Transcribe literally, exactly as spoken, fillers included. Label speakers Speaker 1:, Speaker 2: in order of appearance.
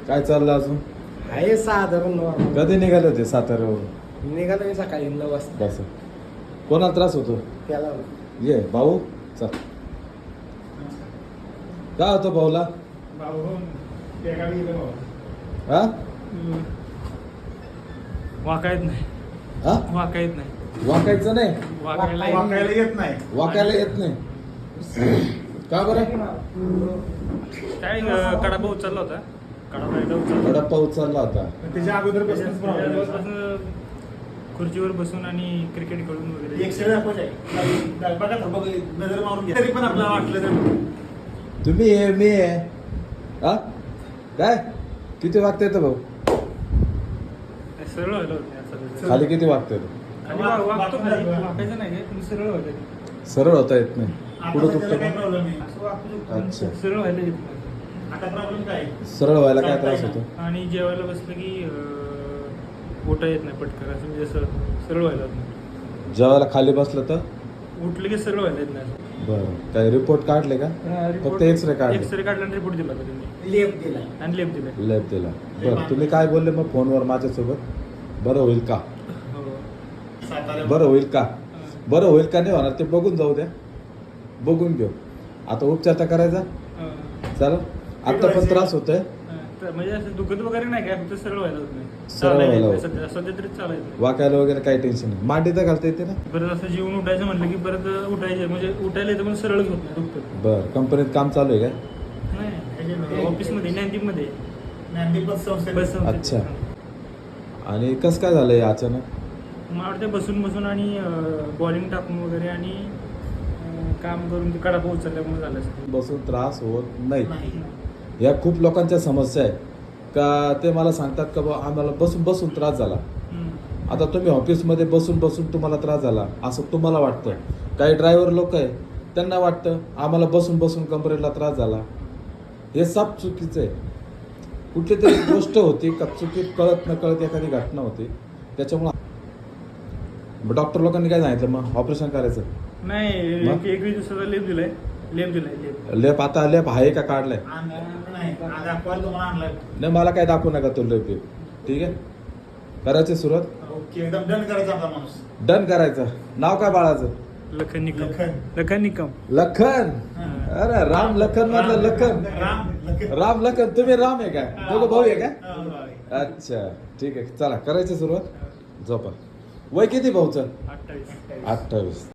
Speaker 1: काय चाललं अजून?
Speaker 2: आहे साधारण normal.
Speaker 1: कधी निघाले होते साताऱ्यावरून?
Speaker 2: निघालो मी सकाळी नऊ वाजता
Speaker 1: बस कोणाला त्रास होतो?
Speaker 2: त्याला
Speaker 1: ये भाऊ चल. काय होतं भाऊला? हा
Speaker 3: वाका येत नाही
Speaker 1: हा
Speaker 3: वाका येत नाही
Speaker 1: वाकायचं नाही,
Speaker 3: वाकायला
Speaker 4: वाकायला येत नाही.
Speaker 1: वाकायला येत नाही. का बरं?
Speaker 3: काय अं, कडा पाऊस चालला होता. कडा पाऊस चालला
Speaker 1: थोडा पाऊस चालला होता.
Speaker 4: त्याच्या अगोदर बसूनच problem होता.
Speaker 3: त्याच्यापासून खुर्चीवर बसून आणि क्रिकेट खेळून वगैरे
Speaker 4: एक शेळ दाखवायचं आहे. बघा तर बघा, नजर मारून घ्या. तरी पण आपल्याला वाटलं तर
Speaker 1: तुम्ही आहे मी आहे हा काय किती वागता येतं भाऊ?
Speaker 3: सरळ व्हायला होत नाही असं.
Speaker 1: खाली किती वागता येतं?
Speaker 3: खाली वा- वागतो खाली वाकायचं नाही पण सरळ व्हायला येत नाही.
Speaker 1: सरळ होता येत नाही.
Speaker 4: आता
Speaker 1: पुढं
Speaker 4: त्याला काही
Speaker 1: दुखतं
Speaker 4: प्रॉब्लेम नाही.
Speaker 3: असं वाकू शकतो,
Speaker 1: अच्छा.
Speaker 3: सरळ व्हायला येत नाही.
Speaker 4: आता प्रॉब्लेम काय आहे?
Speaker 1: सरळ व्हायला काय त्रास होतो?
Speaker 3: आणि जेवायला बसलं की अं, उठा येत नाही पटकन असं म्हणजे असं सरळ व्हायला होत नाही.
Speaker 1: जेवायला खाली बसलं तर
Speaker 3: उठलं की सरळ व्हायला येत नाही.
Speaker 1: बरं काय रिपोर्ट काढले का? फक्त एक्सरे काढले.
Speaker 3: एक्सरे काढला आणि रिपोर्ट दिला होता त्यांनी
Speaker 2: लेप दिला
Speaker 3: आणि लेप दिला.
Speaker 1: लॅब दिला. बरं तुम्ही काय बोलले मग फोनवर माझ्यासोबत? बरं होईल का?
Speaker 3: हो.
Speaker 4: सातारा
Speaker 1: बरं होईल का? बरं होईल का नाही होणार ते बघून जाऊ द्या. बघून घेऊ. आता उपचार तर करायचा
Speaker 3: अं,
Speaker 1: चालेल. आता पण त्रास होतोय.
Speaker 3: अं, तर म्हणजे असं दुखत वगैरे नाही काय फक्त सरळ व्हायला होत नाही.
Speaker 1: सरळ
Speaker 3: चालायला
Speaker 1: व्हायला
Speaker 3: येत
Speaker 1: होत
Speaker 3: नाही. सध्या सध्या तरी चालायचं.
Speaker 1: वाकायला वगैरे काही टेन्शन नाही. मांडी तर घालता येते ना?
Speaker 3: परत असं जीवन उठायचं म्हणलं की परत उठायचं म्हणजे उठायला येतं पण सरळ होत नाही दुखतं.
Speaker 1: बरं कंपनीत काम चालू आहे का?
Speaker 3: नाही ऑफिसमध्ये नॅन्टिकमध्ये
Speaker 4: ज्ञानदीप बस संस्थेत.
Speaker 3: बस संस्थेत.
Speaker 1: अच्छा. आणि कसं काय झालंय अचानक?
Speaker 3: मला वाटतं बसून बसून आणि बॉलिंग टाकून वगैरे आणि अं, काम करून ते कडा पाऊस चालल्यामुळे झालं असेल.
Speaker 1: बसून त्रास होत नाही.
Speaker 4: नाही.
Speaker 1: या खूप लोकांच्या समस्या आहे का ते मला सांगतात का बा आम्हाला बसून बसून त्रास झाला.
Speaker 3: हम्म.
Speaker 1: आता तुम्ही ऑफिसमध्ये बसून बसून तुम्हाला त्रास झाला असं तुम्हाला वाटतं. काही ड्रायव्हर लोक आहे त्यांना वाटतं आम्हाला बसून बसून कंपनीला त्रास झाला. हे सब चुकीचं आहे. कुठली तरी गोष्ट होती का चुकीत कळत न कळत एखादी घटना होती त्याच्यामुळे डॉक्टर लोकांनी काय सांगितलं मग ऑपरेशन करायचं.
Speaker 3: नाही
Speaker 1: मग?
Speaker 3: एक एकवीस दिवसाचा लेप दिलाय लेप दिलाय लेप
Speaker 1: लेप आता लेप आहे का काढलाय?
Speaker 4: आणलं नाही. आज दाखवायला तुम्हाला आणलाय.
Speaker 1: नाही मला काय दाखवू नका तो लेप बिप. ठीक आहे करायची सुरुवात.
Speaker 4: ओके एकदम डन करायचा आपला माणूस.
Speaker 1: डन करायचं. नाव काय बाळाचं?
Speaker 3: लखन निकम
Speaker 4: लखन.
Speaker 3: लखन निकम
Speaker 1: लखन.
Speaker 4: हा.
Speaker 1: अरे राम लखन मधलं लखन.
Speaker 4: राम लखन.
Speaker 1: राम लखन तुम्ही राम आहे का? दोघं भाऊ आहे का?
Speaker 4: हा, भाऊ आहे.
Speaker 1: अच्छा ठीक आहे चला करायची सुरुवात. झोपा. वय किती भाऊचं?
Speaker 3: अठ्ठावीस
Speaker 1: अठ्ठावीस.